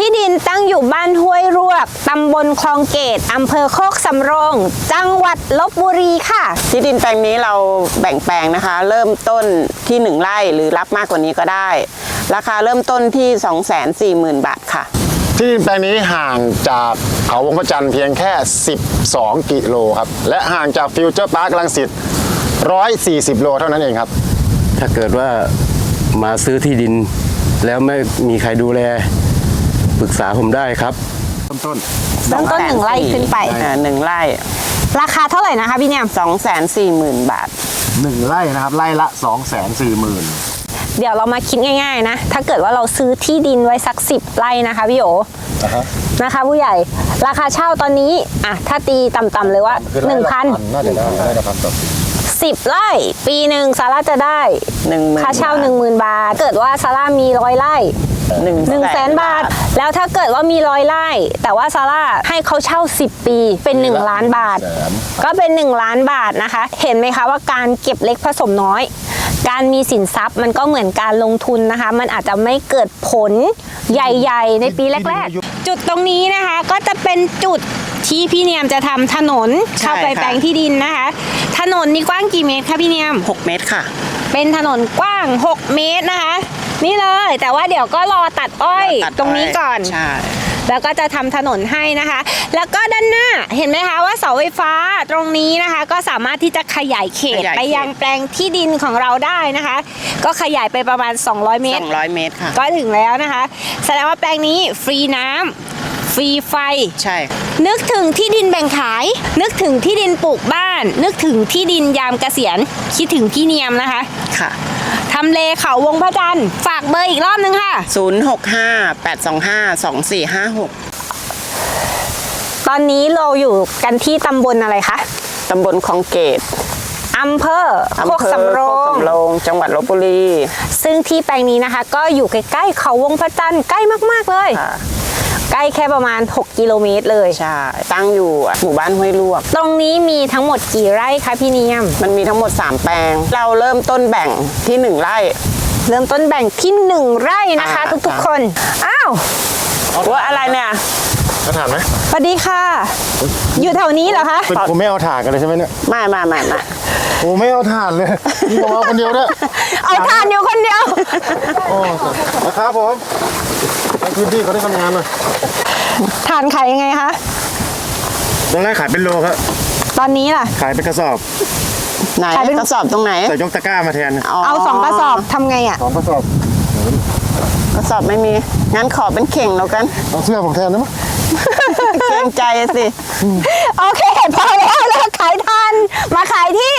ดินตั้งอยู่บ้านห้วยรวกตำบลคลองเกตอำเภอโคกสำโรงจังหวัดลพบุรีค่ะที่ดินแปลงนี้เราแบ่งแปลงนะคะเริ่มต้นที่1 ไร่หรือรับมากกว่านี้ก็ได้ราคาเริ่มต้นที่ 240,000 บาทค่ะที่ดินแปลงนี้ห่างจากเขาวงพระจันทร์เพียงแค่12 กิโลครับและห่างจากฟิวเจอร์พาร์ครังสิต140 โลเท่านั้นเองครับถ้าเกิดว่ามาซื้อที่ดินแล้วไม่มีใครดูแลปรึกษาผมได้ครับต้น 1 ไร่ขึ้นไป 1 ไร่ราคาเท่าไหร่นะคะพี่เนี่ย 240,000 บาท 1 ไร่นะครับไร่ละ 240,000 เดี๋ยวเรามาคิดง่ายๆนะถ้าเกิดว่าเราซื้อที่ดินไว้สัก10 ไร่นะคะพี่โอนะคะผู้ใหญ่ราคาเช่าตอนนี้อ่ะถ้าตีต่ำๆเลยว่า 1,000 น่าจะได้ครับ 10 ไร่ปีหนึ่งซาร่าจะได้ค่าเช่า 10,000 บาทเกิดว่าซาร่ามี100 ไร่100,000 บาทแล้วถ้าเกิดว่ามี100 ไร่แต่ว่าซาร่าให้เขาเช่า10 ปีเป็น1 ล้านบาทก็เป็น1 ล้านบาทนะคะเห็นไหมคะว่าการเก็บเล็กผสมน้อยการมีสินทรัพย์มันก็เหมือนการลงทุนนะคะมันอาจจะไม่เกิดผลใหญ่ๆในปีแรกๆจุดตรงนี้นะคะก็จะเป็นจุดที่พี่เนียมจะทำถนนเข้าไปแปลงที่ดินนะคะถนนนี่กว้างกี่เมตรคะพี่เนียม 6 เมตรค่ะเป็นถนนกว้าง6 เมตรนะคะนี่เลยแต่ว่าเดี๋ยวก็รอตัดอ้อยตรงนี้ก่อนใช่แล้วก็จะทำถนนให้นะคะแล้วก็ด้านหน้าเห็นไหมคะว่าเสาไฟฟ้าตรงนี้นะคะก็สามารถที่จะขยายเขตไปยังแปลงที่ดินของเราได้นะคะก็ขยายไปประมาณ200 เมตรค่ะก็ถึงแล้วนะคะแสดงว่าแปลงนี้ฟรีน้ำฟรีไฟใช่นึกถึงที่ดินแบ่งขายนึกถึงที่ดินปลูกบ้านนึกถึงที่ดินยามเกษียณคิดถึงพี่เนียมนะคะค่ะทำเลเขาวงพระจันทร์ฝากเบอร์อีกรอบนึงค่ะ 065-825-2456 ตอนนี้เราอยู่กันที่ตำบลอะไรคะตำบลคลองเกตอำเภอโคกสำโรงจังหวัดลพบุรีซึ่งที่แปลงนี้นะคะก็อยู่ใกล้ๆเขาวงพระจันทร์ใกล้มากๆเลยใกล้แค่ประมาณ6 กิโลเมตรเลยใช่ตั้งอยู่หมู่บ้านห้วยลวกตรงนี้มีทั้งหมดกี่ไร่คะพี่เนียมมันมีทั้งหมด3 แปลงเราเริ่มต้นแบ่งที่1 ไร่เริ่มต้นแบ่งที่1 ไร่นะคะทุกๆคนอ้าวว่าอะไรเนี่ยเอาถ่านไหมสวัสดีค่ะอยู่แถวนี้เหรอคะผมไม่เอาถ่านกันเลยใช่ไหมเนี่ยไม่โอ้ไม่เอาถ่านเลยนี่ผมเอาคนเดียวด้วยเอาถ่านอยู่คนเดียวโอ้นะครับผมในพื้นที่เขาได้ทำงานเลยถ่านขายยังไงคะตอนแรกขายเป็นโลครับตอนนี้ล่ะขายเป็นกระสอบไหนกระสอบตรงไหนใส่ยกตะกร้ามาแทนเอา2 กระสอบทำไงอ่ะ 2 กระสอบไม่มีงั้นขอเป็นเข่งแล้วกันเอาเสื้อผมแทนได้ไหมเกรงใจสิโอเคพอแล้วขายทันมาขายที่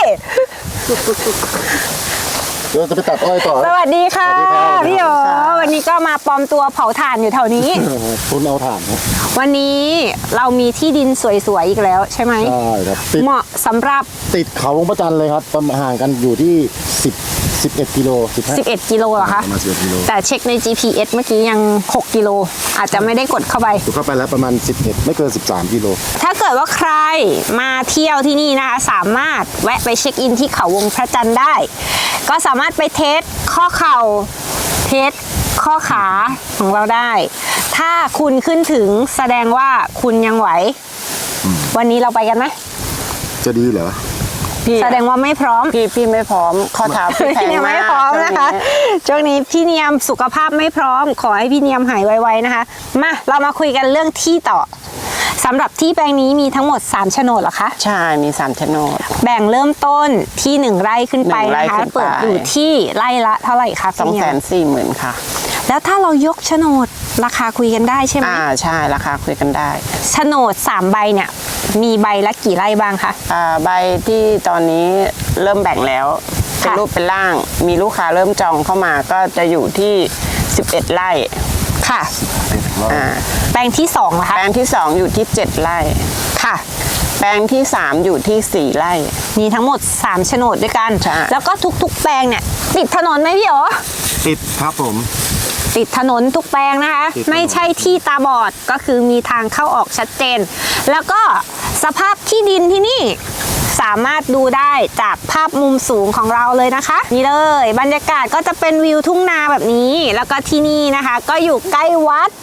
เดี๋ยวจะไปตัดอ้อยต่อสวัสดีค่ะพี่โอวันนี้ก็มาปลอมตัวเผาถ่านอยู่แถวนี้คุณเอาถ่านวันนี้เรามีที่ดินสวยๆอีกแล้วใช่ไหมใช่ครับเหมาะสำหรับติดเขาวงพระจันทร์เลยครับประมาณห่างกันอยู่ที่11 กิโล 11 กิโลเหรอคะ 11 กิโลแต่เช็คใน GPS เมื่อกี้ยัง6 กิโลอาจจะไม่ได้กดเข้าไปแล้วประมาณ11ไม่เกิน13 กิโลถ้าเกิดว่าใครมาเที่ยวที่นี่นะคะสามารถแวะไปเช็คอินที่เขาวงพระจันทร์ได้ก็สามารถไปเทสข้อเข่าเทสข้อขาของเราได้ถ้าคุณขึ้นถึงแสดงว่าคุณยังไหววันนี้เราไปกันไหมจะดีเหรอแสดงว่าไม่พร้อมพี่ไม่พร้อมข้อเท้าพี่แข็งมากไม่พร้อมนะคะช่วงนี้พี่เนียมสุขภาพไม่พร้อมขอให้พี่เนียมหายไวๆนะคะมาเรามาคุยกันเรื่องที่ต่อสำหรับที่แปลงนี้มีทั้งหมด3 โฉนดเหรอคะใช่มี3 โฉนดแบ่งเริ่มต้นที่1 ไร่ขึ้นไปนะคะเปิดอยู่ที่ไร่ละเท่าไหร่คะ 240,000ค่ะแล้วถ้าเรายกโฉนดราคาคุยกันได้ใช่ไหมใช่ราคาคุยกันได้โฉนด3 ใบเนี่ยมีใบละกี่ไร่บ้างคะใบที่ตอนนี้เริ่มแบ่งแล้วเป็นรูปเป็นร่างมีลูกค้าเริ่มจองเข้ามาก็จะอยู่ที่11 ไร่ค่ะแปลงที่2นะคะแปลงที่2อยู่ที่7 ไร่ค่ะแปลงที่3อยู่ที่4 ไร่มีทั้งหมด3 โฉนดด้วยกันแล้วก็ทุกๆแปลงเนี่ยติดถนนไหมพี่โอติดครับผมติดถนนทุกแปลงนะคะไม่ใช่ที่ตาบอดก็คือมีทางเข้าออกชัดเจนแล้วก็สภาพที่ดินที่นี่สามารถดูได้จากภาพมุมสูงของเราเลยนะคะนี่เลยบรรยากาศก็จะเป็นวิวทุ่งนาแบบนี้แล้วก็ที่นี่นะคะก็อยู่ใกล้วัด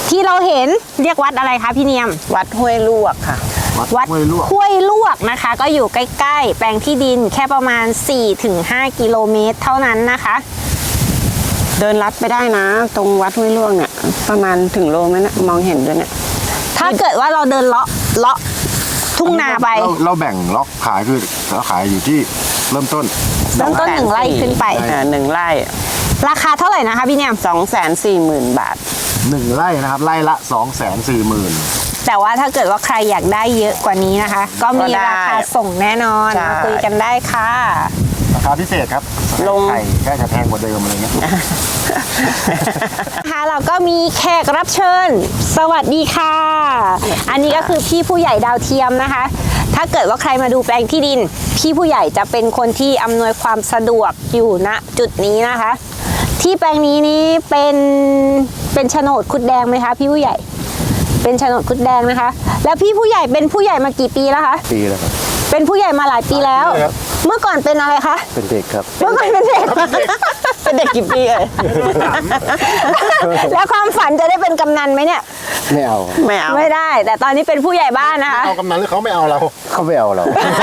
ที่เราเห็นเรียกวัดอะไรคะพี่เนียมวัดห้วยลวกค่ะวัดห้วยลวกห้วยลวกนะคะ ก็อยู่ใกล้ๆ แปลงที่ดินแค่ประมาณ 4-5 กิโลเมตรเท่านั้นนะคะเดินลัดไปได้นะ ตรงวัดห้วยลวกเนี่ยประมาณถึงโลไหมนะมองเห็นด้วยเนี่ยถ้าเกิดว่าเราเดินเลาะทุ่งนาไปเราแบ่งล็อกขายคือเราขายอยู่ที่เริ่มต้นเริ่มต้น1 ไร่ขึ้นไปหนึ่งไร่ราคาเท่าไหร่นะคะพี่เนียม 240,000 บาท 1 ไร่นะครับไร่ละ 240,000 แต่ว่าถ้าเกิดว่าใครอยากได้เยอะกว่านี้นะคะ ก็มีก็ได้ราคาส่งแน่นอนใช่มาคุยกันได้ค่ะราคาพิเศษครับลงไข่แค่จะแพงกว่าเดิมอะไรเงี้ยค่ะเราก็มีแขกรับเชิญ สวัสดีค่ะ อันนี้ก็คือพี่ผู้ใหญ่ดาวเทียมนะคะ ถ้าเกิดว่าใครมาดูแปลงที่ดิน พี่ผู้ใหญ่จะเป็นคนที่อำนวยความสะดวกอยู่ณจุดนี้นะคะ ที่แปลงนี้เป็นโฉนดคุดแดงไหมคะพี่ผู้ใหญ่ เป็นโฉนดคุดแดงนะคะ แล้วพี่ผู้ใหญ่เป็นผู้ใหญ่มากี่ปีแล้วคะปีแล้วครับเป็นผู้ใหญ่มาหลายปีแล้ว เมื่อก่อนเป็นอะไรคะเป็นเด็กครับเมื่อก่อนเป็นเด็กเป็นเด็กกี่ปีเอ่ยแล้วความฝันจะได้เป็นกำนันไหมเนี่ยไม่เอาครับไม่เอาไม่ได้ แต่ตอนนี้เป็นผู้ใหญ่บ้านนะคะเอากำนันหรือเขาไม่เอาเราเขาไม่เอาเรา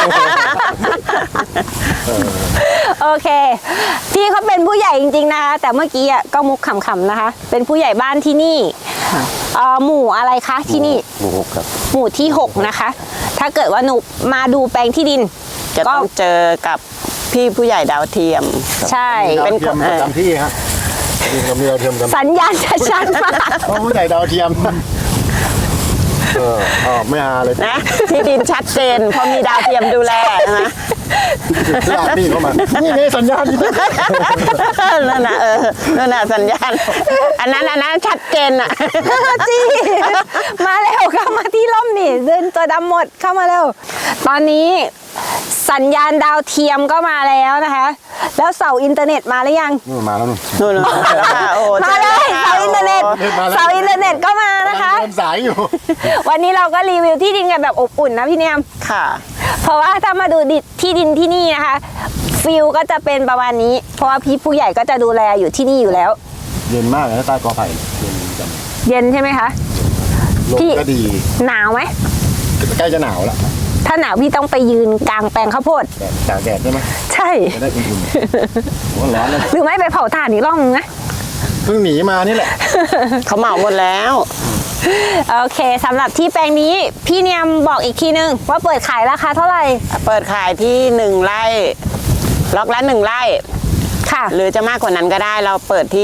โอเค พี่เขาเป็นผู้ใหญ่จริงๆนะคะ แต่เมื่อกี้อ่ะก็มุกขำๆนะคะ เป็นผู้ใหญ่บ้านที่นี่หมู่อะไรคะที่นี่หมู่หกครับหมู่ที่ 6 นะคะ ถ้าเกิดว่าหนูมาดูแปลงที่ดินจะต้องเจอกับพี่ผู้ใหญ่ดาวเทียมใช่เป็นดาวเทียมประจำที่ฮะดินกับมีดาวเทียมกันสัญญาณชัดๆมากเพราะผู้ใหญ่ดาวเทียมไม่หาเลยนะที่ดินชัดเจนเพราะมีดาวเทียมดูแลนะลากพี่เข้ามานี่ไงสัญญาณนี่นั่นน่ะนั่นน่ะสัญญาณ อันนั้นชัดเจนอ่ะจีมาเร็วเข้ามาที่ร่มนี่เดินตัวดำหมดเข้ามาเร็ว ตอนนี้สัญญาณดาวเทียมก็มาแล้วนะคะ แล้วเสาอินเทอร์เน็ตมาหรือยังนู่นมาแล้วนู่นนู่นแล้วค่ะโอ้มาเลยเสาอินเทอร์เน็ตมาแล้วเสาอินเทอร์เน็ตก็มานะคะเดินสายอยู่วันนี้เราก็รีวิวที่ดินกันแบบอบอุ่นนะพี่เนียมค่ะเพราะว่าถ้ามาดูที่ดินที่นี่นะคะฟิลก็จะเป็นประมาณนี้ เพราะว่าพี่ผู้ใหญ่ก็จะดูแลอยู่ที่นี่อยู่แล้วเย็นมากเลยนะใต้กอไผ่เย็นจังเย็นใช่ไหมคะลมพี่ก็ดีหนาวไหมใกล้จะหนาวแล้วถ้าหนาวพี่ต้องไปยืนกลางแปลงข้าวโพดแต่ตากแดดใช่ไหมใช่จะได้อุ่นๆหัวร้อนเลยหรือไม่ไปเผาถ่านอีกรอบนึงนะเพิ่งหนีมานี่แหละเขาเหมาหมดแล้วโอเคสำหรับที่แปลงนี้พี่เนียมบอกอีกทีนึงว่าเปิดขายราคาเท่าไหร่เปิดขายที่1 ไร่ ล็อกละ1 ไร่ค่ะหรือจะมากกว่านั้นก็ได้ เราเปิดที่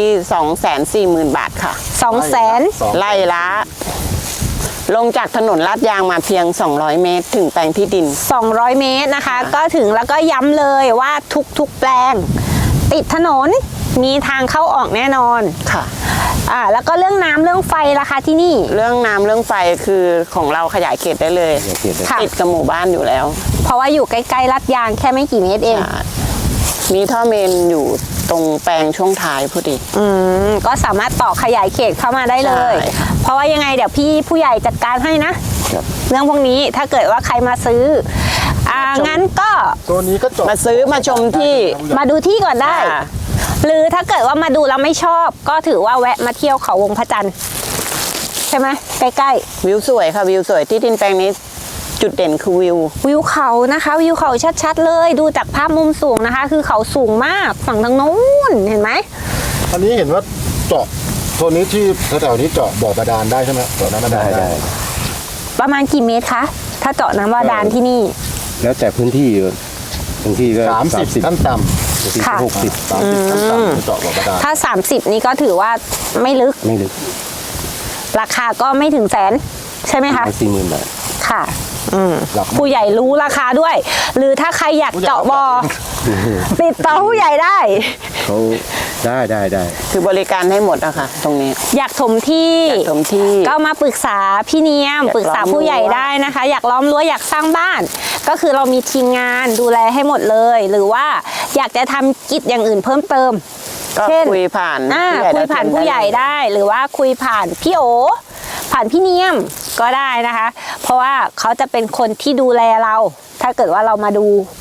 240,000 บาทค่ะ 200,000 ไร่ละ ลงจากถนนลาดยางมาเพียง 200 เมตร ถึงแปลงที่ดิน 200 เมตรนะคะ ก็ถึงแล้วก็ย้ำเลยว่าทุกๆแปลง ติดถนนมีทางเข้าออกแน่นอนค่ะแล้วก็เรื่องน้ำเรื่องไฟราคาที่นี่เรื่องน้ำเรื่องไฟคือของเราขยายเขตได้เลยขยายเขตได้ค่ะติดกับหมู่บ้านอยู่แล้วเพราะว่าอยู่ใกล้ๆลัดยางแค่ไม่กี่เมตรเองมีท่อเมนอยู่ตรงแปลงช่วงท้ายพอดีก็สามารถต่อขยายเขตเข้ามาได้เลยใช่เพราะว่ายังไงเดี๋ยวพี่ผู้ใหญ่จัดการให้นะครับเรื่องพวกนี้ถ้าเกิดว่าใครมาซื้องั้นก็ตัวนี้ก็จบมาซื้อมาชมที่มาดูที่ก่อนได้ค่ะหรือถ้าเกิดว่ามาดูแล้วไม่ชอบ ก็ถือว่าแวะมาเที่ยวเขาวงพระจันทร์ใช่ไหมใกล้วิวสวยค่ะวิวสวยที่ดินแปลงนี้จุดเด่นคือวิวๆวิวเขานะคะวิวเขาชัดๆเลยดูจากภาพมุมสูงนะคะ คือเขาสูงมากฝั่งทางโน้นเห็นไหมอันนี้เห็นว่าเจาะตัวนี้ที่แถวๆนี้เจาะบ่อบาดาลได้ใช่ไหมเจาะน้ำบาดาได้ลได้ได้ประมาณกี่เมตรคะถ้าเจาะน้ำบาดาลที่นี่แล้วแต่พื้นที่บางที่ก็ 30ขั้นต่ำบางที่ค่ะก็60 30ขั้นต่ำเจาะบ่อบาดาลถ้า 30 นี่ก็ถือว่าไม่ลึกไม่ลึกราคาก็ไม่ถึงแสนใช่ไหมคะ 40,000 บาทค่ะหลักผู้ใหญ่รู้ราคาด้วย หรือถ้าใครอยากเจาะบอติดต่อผู้ใหญ่ได้เขาได้คือบริการให้หมดอะค่ะตรงนี้อยากถมที่อยากถมที่ก็มาปรึกษาพี่เนียมอยากปรึกษาผู้ใหญ่ได้นะคะ อยากล้อมรั้วอยากสร้างบ้าน ก็คือเรามีทีมงานดูแลให้หมดเลย หรือว่าอยากจะทำกิจอย่างอื่นเพิ่มเติมก็เช่นคุยผ่านคุยผ่านผู้ใหญ่ได้ หรือว่าคุยผ่านพี่โอ ผ่านพี่เนียมก็ได้นะคะ เพราะว่าเขาจะเป็นคนที่ดูแลเรา ถ้าเกิดว่าเรามาดู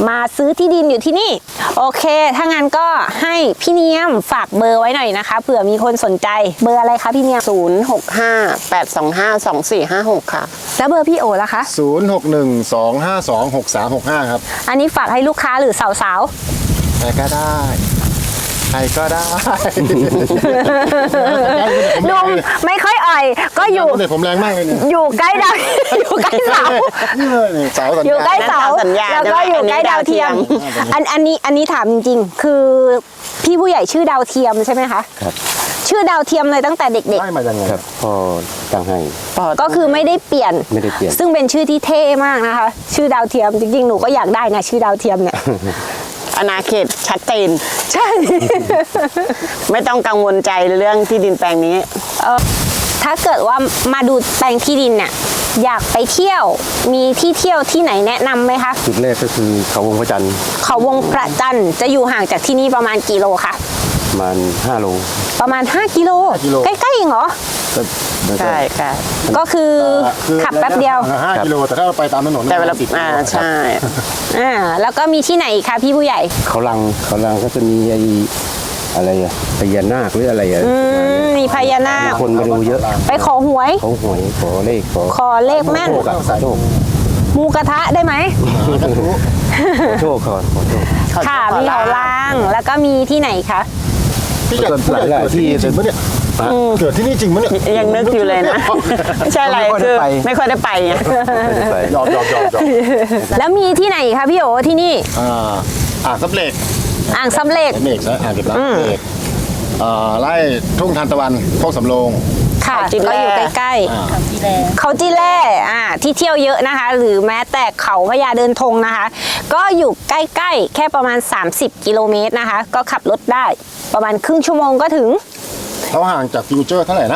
มาซื้อที่ดินอยู่ที่นี่โอเคถ้างั้นก็ให้พี่เนียมฝากเบอร์ไว้หน่อยนะคะเผื่อมีคนสนใจเบอร์อะไรคะพี่เนียม 065-825-2456 ค่ะแล้วเบอร์พี่โอล่ะคะ 0612526365 ครับอันนี้ฝากให้ลูกค้าหรือสาวใครก็ได้ใครก็ได้ๆนุ่มไม่ค่อยอ่อยก็อยู่เนี่ยผมแรงมากเลยเนี่ยอยู่ใกล้ดาว อยู่ใกล้เสานี่เสาสัญอยู่ญาใกล้ณเสาสัญญาณแล้วก็อยู่ใกล้ดาวเทียม อันนี้ถามจริงๆ คือพี่ผู้ใหญ่ชื่อดาวเทียมใช่ไหมคะครับชื่อดาวเทียมเลยตั้งแต่เด็กได้มายังไงครับพ่อตั้งให้ๆ ก็คือไม่ได้เปลี่ยนไม่ได้เปลี่ยนซึ่งเป็นชื่อที่เท่มากนะคะ ชื่อดาวเทียมจริงๆ หนูก็อยากได้นะชื่อดาวเทียมเนี่ยอาณาเขตชัดเจนใช่ไม่ต้องกังวลใจเรื่องที่ดินแปลงนี้ถ้าเกิดว่ามาดูแปลงที่ดินเนี่ยอยากไปเที่ยวมีที่เที่ยวที่ไหนแนะนำไหมคะจุดแรกก็คือเขาวงพระจันทร์เขาวงพระจันทร์จะอยู่ห่างจากที่นี่ประมาณกี่โลคะประมาณ5 โลประมาณ5 กิโลใกล้ๆเองเหรอใช่ค่ะก็คือขับแป๊บเดียว 5 กิโลแต่ถ้าเราไปตามถนนแต่เวลา 10 กิโลครับใช่แล้วก็มีที่ไหนอีกคะพี่ผู้ใหญ่เขาลังก็จะมีไอ้อะไรอะพญานาคหรืออะไรอะมีพญานาคคนมาดูเยอะไปขอหวยเขาหวยขอเลขขอเลขแม่นโชคอะโชคหมูกระทะได้ไหมขอโชคก่อนขอโชคค่ะมีเขาล่างแล้วก็มีที่ไหนคะพี่จัดหลายๆที่จริงปะเนี่ยเกิดที่นี่จริงปะเนี่ยยังนึกอยู่เลยนะไม่ใช่อะไรคือไม่ค่อยได้ไปไงไปหยอกแล้วมีที่ไหนคะพี่โอที่นี่อ่างซับเหล็กอ่างสำเร็จเมฆนะอ่างเก็บน้ำเหล็กไล่ทุ่งทานตะวันโคกสำโรงค่ะเขาจีแลก็อยู่ใกล้ๆเขาจีแล่ที่เที่ยวเยอะนะคะ หรือแม้แต่เขาพญาเดินธงนะคะ ก็อยู่ใกล้ๆแค่ประมาณ30 กิโลเมตรนะคะ ก็ขับรถได้ประมาณครึ่งชั่วโมงก็ถึงเขาห่างจากฟิวเจอร์เท่าไหร่นะ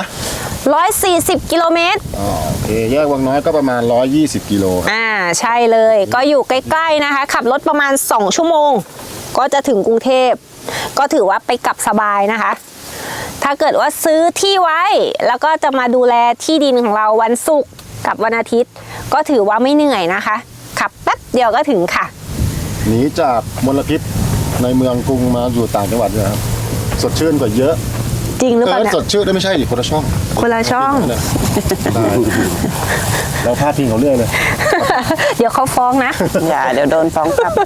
140 กิโลเมตรโอเคแยกวังน้อยก็ประมาณ120 กิโลครับใช่เลยก็อยู่ใกล้ๆนะคะ ขับรถประมาณ2 ชั่วโมง ก็จะถึงกรุงเทพก็ถือว่าไปกลับสบายนะคะ ถ้าเกิดว่าซื้อที่ไว้แล้วก็จะมาดูแลที่ดินของเราวันศุกร์กับวันอาทิตย์ ก็ถือว่าไม่เหนื่อยนะคะ ขับแป๊บเดียวก็ถึงค่ะหนีจากมลพิษในเมืองกรุงมาอยู่ต่างจังหวัดเลยครับสดชื่นกว่าเยอะจริงหรือเปล่าเนี่ยสดชื่นได้ไม่ใช่ดิคนละช่องคนละช่องได้เราพลาดพิงเขาเรื่อยเลยเดี๋ยวเขาฟ้องนะอย่าเดี๋ยวโดนฟ้องกลับ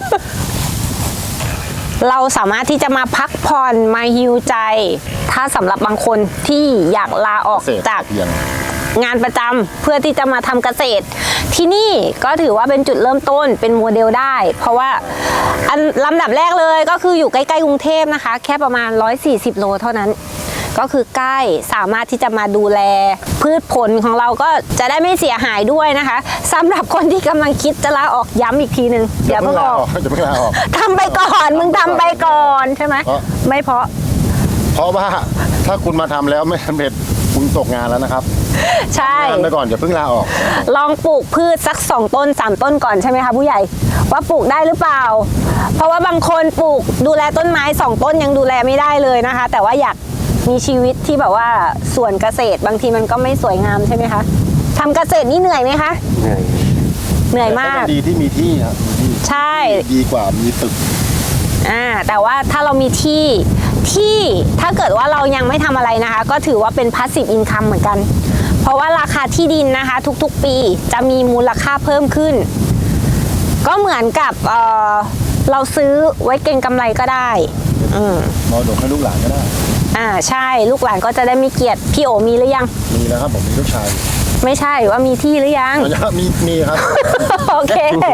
เราสามารถที่จะมาพักผ่อนมาฮิวใจ ถ้าสำหรับบางคนที่อยากลาออกเสพจากเพียงงานประจำเพื่อที่จะมาทำเกษตร ที่นี่ก็ถือว่าเป็นจุดเริ่มต้นเป็นโมเดลได้ เพราะว่าอันลำดับแรกเลยก็คืออยู่ใกล้ๆกรุงเทพนะคะ แค่ประมาณ140 โลเท่านั้น ก็คือใกล้สามารถที่จะมาดูแล พืชผลของเราก็จะได้ไม่เสียหายด้วยนะคะสำหรับคนที่กำลังคิดจะลาออกย้ำอีกทีหนึ่งอย่าเพิ่งออกจะเพิ่งลาออกทำไปก่อนมึงทำไปก่อนใช่ไหมเพราะไม่เพราะเพราะว่าถ้าคุณมาทำแล้วไม่สำเร็จคุณตกงานแล้วนะครับใช่ทำไปก่อนอย่าเพิ่งลาออกลองปลูกพืชสัก2 ต้น 3 ต้นก่อนใช่ไหมคะผู้ใหญ่ว่าปลูกได้หรือเปล่า เพราะว่าบางคนปลูกดูแลต้นไม้2 ต้นยังดูแลไม่ได้เลยนะคะ แต่ว่าอยากมีชีวิตที่แบบว่าสวนเกษตรบางทีมันก็ไม่สวยงามใช่ไหมคะทำเกษตรนี่เหนื่อยไหมคะเหนื่อยเหนื่อยมากดีที่มีที่ครับมีที่ใช่ดีกว่ามีตึกแต่ว่าถ้าเรามีที่ถ้าเกิดว่าเรายังไม่ทำอะไรนะคะ ก็ถือว่าเป็น passive income เหมือนกัน เพราะว่าราคาที่ดินนะคะ ทุกๆปีจะมีมูลค่าเพิ่มขึ้น ก็เหมือนกับเราซื้อไว้เก็งกำไรก็ได้มรดกให้ลูกหลานก็ได้ใช่ลูกหลานก็จะได้มีเกียรติพี่โอมีหรือยังมีแล้วครับผมมีลูกชายไม่ใช่ว่ามีที่หรือยังมีครับโอเค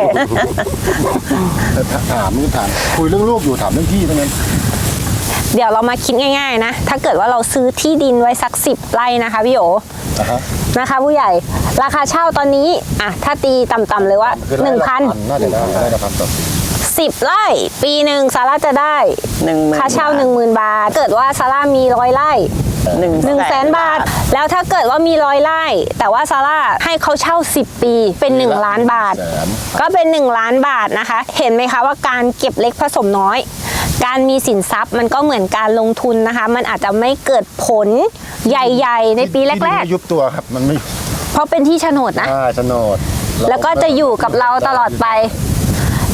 ถามคุยเรื่องลูกอยู่ถามเรื่องที่เท่านั้นเดี๋ยวเรามาคิดง่ายๆนะถ้าเกิดว่าเราซื้อที่ดินไว้สัก10 ไร่นะคะพี่โอนะฮะนะคะผู้ใหญ่ราคาเช่าตอนนี้ถ้าตีต่ำๆเลยว่าคือไร่ละ 1,000 น่าจะได้ละพันต่อปี 10 ไร่ปีหนึ่งซาร่าจะได้ 10,000 ค่าเช่า 10,000 บาท เกิดว่าซาร่ามี100 ไร่ 100,000 บาท แล้วถ้าเกิดว่ามี100 ไร่ แต่ว่าซาร่าให้เขาเช่า10 ปีเป็น1 ล้านบาท ก็เป็น1 ล้านบาทนะคะ เห็นไหมคะว่าการเก็บเล็กผสมน้อย การมีสินทรัพย์มันก็เหมือนการลงทุนนะคะ มันอาจจะไม่เกิดผลใหญ่ๆในปีแรกที่ดินไม่ยุบตัวครับมันไม่ๆ เพราะเป็นที่โฉนดนะโฉนดแล้วก็จะอยู่กับเราตลอดไป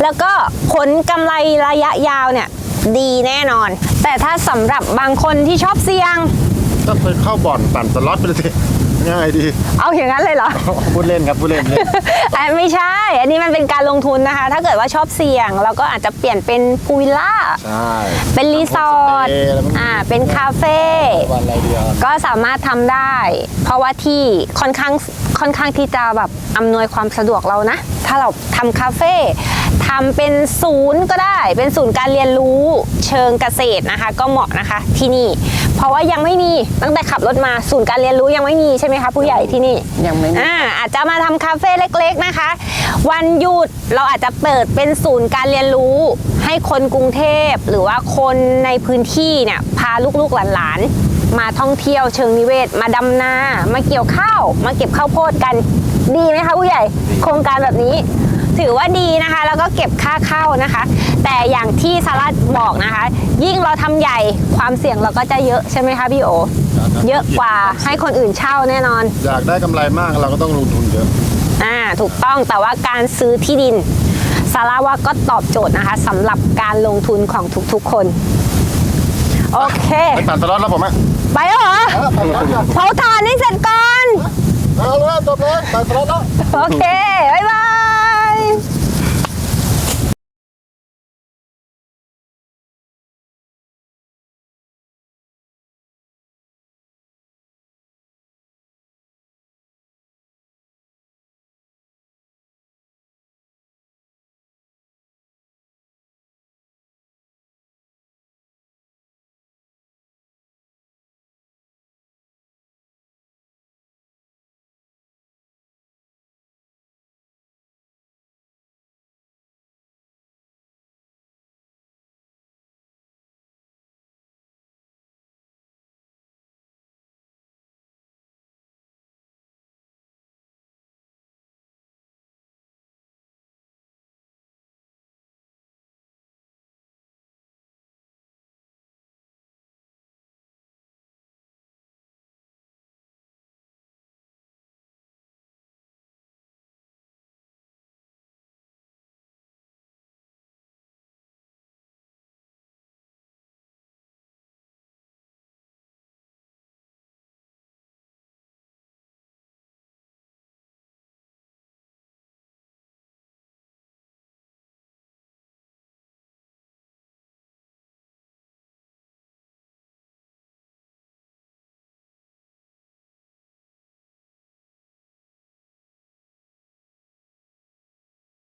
แล้วก็ผลกำไรระยะยาวเนี่ยดีแน่นอน แต่ถ้าสำหรับบางคนที่ชอบเสี่ยงก็ไปเข้าบ่อนปั่นสล็อตไปเลยสิง่ายดีเอาอย่างนั้นเลยเหรอพูดเล่นครับพูดเล่นไม่ใช่ อันนี้มันเป็นการลงทุนนะคะ ถ้าเกิดว่าชอบเสี่ยงเราก็อาจจะเปลี่ยนเป็นพูลวิลล่าใช่เป็นรีสอร์ทโฮมสเตย์อะไรพวกนี้เป็นคาเฟ่วันอะไรเดียวก็สามารถทำได้ เพราะว่าที่ค่อนข้างที่จะแบบอำนวยความสะดวกเรานะ ถ้าเราทำคาเฟ่ทำเป็นศูนย์ก็ได้ เป็นศูนย์การเรียนรู้เชิงเกษตรนะคะ ก็เหมาะนะคะที่นี่ เพราะว่ายังไม่มีตั้งแต่ขับรถมาศูนย์การเรียนรู้ยังไม่มีใช่ไหมคะผู้ใหญ่ที่นี่ยังไม่มีอาจจะมาทำคาเฟ่เล็กๆนะคะ วันหยุดเราอาจจะเปิดเป็นศูนย์การเรียนรู้ ให้คนกรุงเทพหรือว่าคนในพื้นที่เนี่ยพาลูกๆหลานๆมาท่องเที่ยวเชิงนิเวศมาดำนามาเกี่ยวข้าวมาเก็บข้าวโพดกันดีไหมคะผู้ใหญ่โครงการแบบนี้ ถือว่าดีนะคะแล้วก็เก็บค่าเข้านะคะ แต่อย่างที่ซาร่าบอกนะคะ ยิ่งเราทำใหญ่ความเสี่ยงเราก็จะเยอะใช่ไหมคะพี่โอเยอะกว่าให้คนอื่นเช่าแน่นอนอยากได้กำไรมากเราก็ต้องลงทุนเยอะถูกต้องแต่ว่าการซื้อที่ดินซาร่าว่าก็ตอบโจทย์นะคะสำหรับการลงทุนของทุกๆคน โอเคไปปั่นสล็อตแล้วผมไหมไปแล้วเหรอเผาถ่านให้เสร็จก่อนเอาเลยจบเลยปั่นสล็อตแล้วโอเค บ๊ายบาย